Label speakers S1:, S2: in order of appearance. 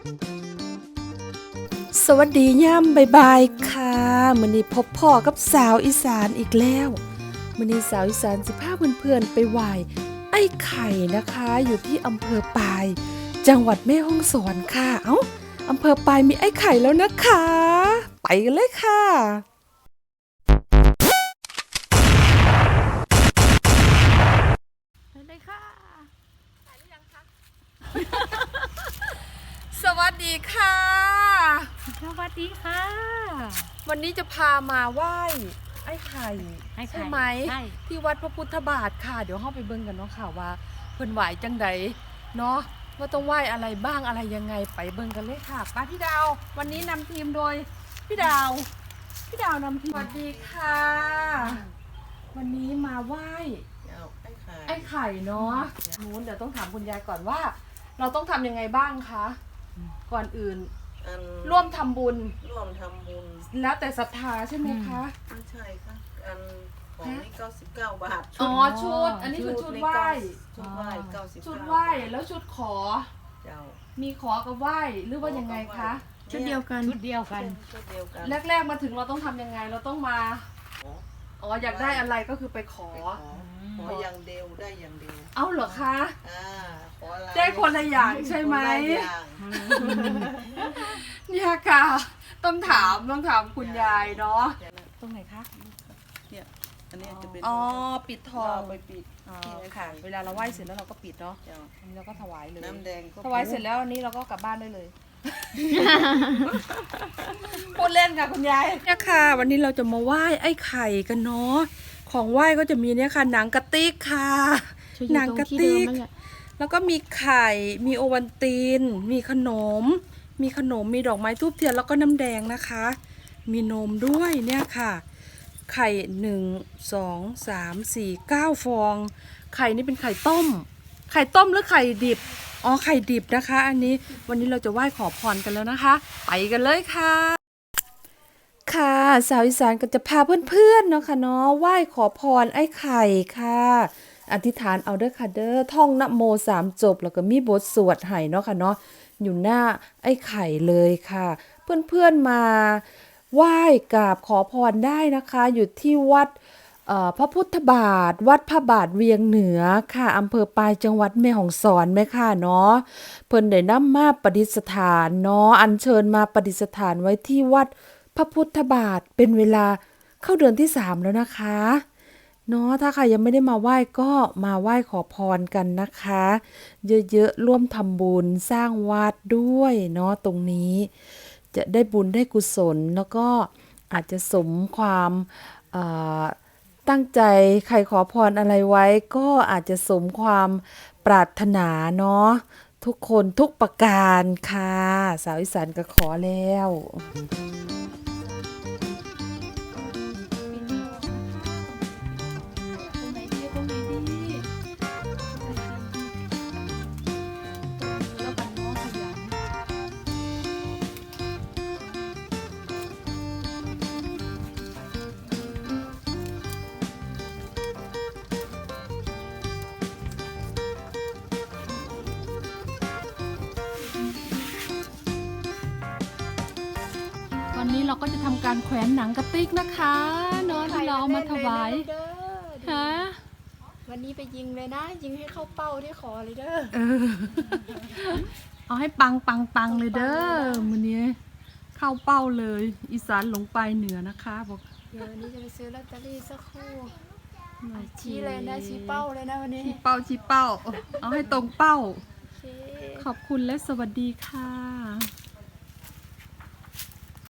S1: สวัสดีย่ำบายค่ะมื้อนี้พบพ่อกับสาวอีสานอีกแล้วมื้อนี้สาวอีสานสิพาเพื่อนๆไปไหว้ไอ้ไข่นะคะอยู่ที่อำเภอปายจังหวัดแม่ฮ่องสอนค่ะอำเภอปายมีไอ้ไข่แล้วนะคะไปกันเลยค่ะ
S2: ไปเลยค่ะ
S1: สวัสดีค่ะ
S2: สวัสดีค่ะ
S1: วันนี้จะพามาไหว้ไอ้ไข่ใช่ไหม
S2: ใช่
S1: ที่วัดพระพุทธบาทค่ะเดี๋ยวเข้าไปเบิ่งกันเนาะค่ะว่าเพิ่นไหวจังใดเนาะว่าต้องไหว้อะไรบ้างอะไรยังไงไปเบิ่งกันเลยค่ะป้าพี่ดาววันนี้นำทีมโดยพี่ดาวนำทีมสวัสดีค่ะ วันนี้มาไหว้ไอ้ไข่เนาะนู้นเดี๋ยวต้องถามคุณยายก่อนว่า เราต้องทำยังไงบ้างคะก่อนอื่นร่วมทำบุญ
S3: ร่วมทำบุญ
S1: แล้วแต่ศรัทธาใช่ไหมคะ
S3: ไม่ใช่ค่ะของนี่99 บาท
S1: อ๋อชุดอันนี้คือชุดไหว้
S3: ชุดไหว้99
S1: ชุดไหว้แล้วชุดขอ
S3: เจ้า
S1: มีขอกับไหว้หรือว่ายังไงคะ
S2: ชุดเดียวกัน
S3: ชุดเดียวกัน
S1: แรกๆมาถึงเราต้องทำยังไงเราต้องมาอ๋ออยากได้อะไรก็คือไปขอ
S3: ขออย่างเดียวได้อย่างเดียว
S1: เอ้าเหรอคะ
S3: ขออะไร
S1: ได้คนละอย่างใช่ไหม
S3: คนละอย่าง
S1: เนี่ยค่ะต้องถามคุณยายเนาะตรงไหนคะ
S3: เนี่ยอันนี้จะเป็น
S1: อ๋อปิดทอง
S3: ไปปิด
S1: อ๋อค่ะเวลาเราไหว้เสร็จแล้วเราก็ปิดเนาะ
S3: เจ้า
S1: อันนี้เราก็ถวายเลย
S3: น้ำแดงก็
S1: ถวายเสร็จแล้วอันนี้เราก็กลับบ้านได้เลย พูดเล่นค่ะคุณยายเนี่ยค่ะ วันนี้เราจะมาไหว้ไอ้ไข่กันเนาะของไหว้ก็จะมีเนี่ยค่ะหนังกระติกค่ะหนังกระติกแล้วก็มีไข่มีโอวัลตินมีขนมมีดอกไม้ทูบเทียนแล้วก็น้ำแดงนะคะ มีนมด้วยเนี่ยค่ะ ไข่1 2 3 4 9 ฟอง ไข่นี่เป็นไข่ต้มหรือไข่ดิบอ๋อไข่ดิบนะคะ อันนี้วันนี้เราจะไหว้ขอพรกันแล้วนะคะ ไปกันเลยค่ะ ค่ะสาวอีสานก็จะพาเพื่อนๆเนาะค่ะเนาะไหว้ขอพรไอ้ไข่ค่ะอธิษฐานเอาเด้อค่ะเด้อท่องนะโม3 จบแล้วก็มีบทสวดให้เนาะค่ะเนาะอยู่หน้าไอ้ไข่เลยค่ะ เพื่อนๆมาไหว้กราบขอพรได้นะคะอยู่ที่วัดพระพุทธบาทวัดพระบาทเวียงเหนือค่ะอำเภอปายจังหวัดแม่ฮ่องสอนแม่ค่ะเนาะเพิ่นได้นำมาประดิษฐานเนาะอัญเชิญมาประดิษฐานไว้ที่วัดพระพุทธบาทเป็นเวลาเข้าเดือนที่3แล้วนะคะเนาะถ้าใครยังไม่ได้มาไหว้ก็มาไหว้ขอพรกันนะคะเยอะๆร่วมทำบุญสร้างวัดด้วยเนาะตรงนี้จะได้บุญได้กุศลแล้วก็อาจจะสมความตั้งใจใครขอพรอะไรไว้ก็อาจจะสมความปรารถนาเนาะทุกคนทุกประการค่ะสาวอีสานก็ขอแล้วตอนนี้เราก็จะทำการแขวนหนังกระติกนะคะเนาะที่เราเอามาถวายฮะ
S2: วันนี้ไปยิงเลยนะ ยิงให้เข้าเป้าที่ขอเลยเด้อ
S1: เอาให้ปังเลยเด้อมื้อนี้เข้าเป้าเลย อีสานหลงไปเหนือนะคะบอก
S2: เดี๋ยววันนี้จะไปซื้อลอตเตอรี่สักครู่ชี้เลยนะชี้เป้าเลยนะวันนี้
S1: ชี้เป้าเอาให้ตรงเป้า
S2: โอเค
S1: ขอบคุณและสวัสดีค่ะ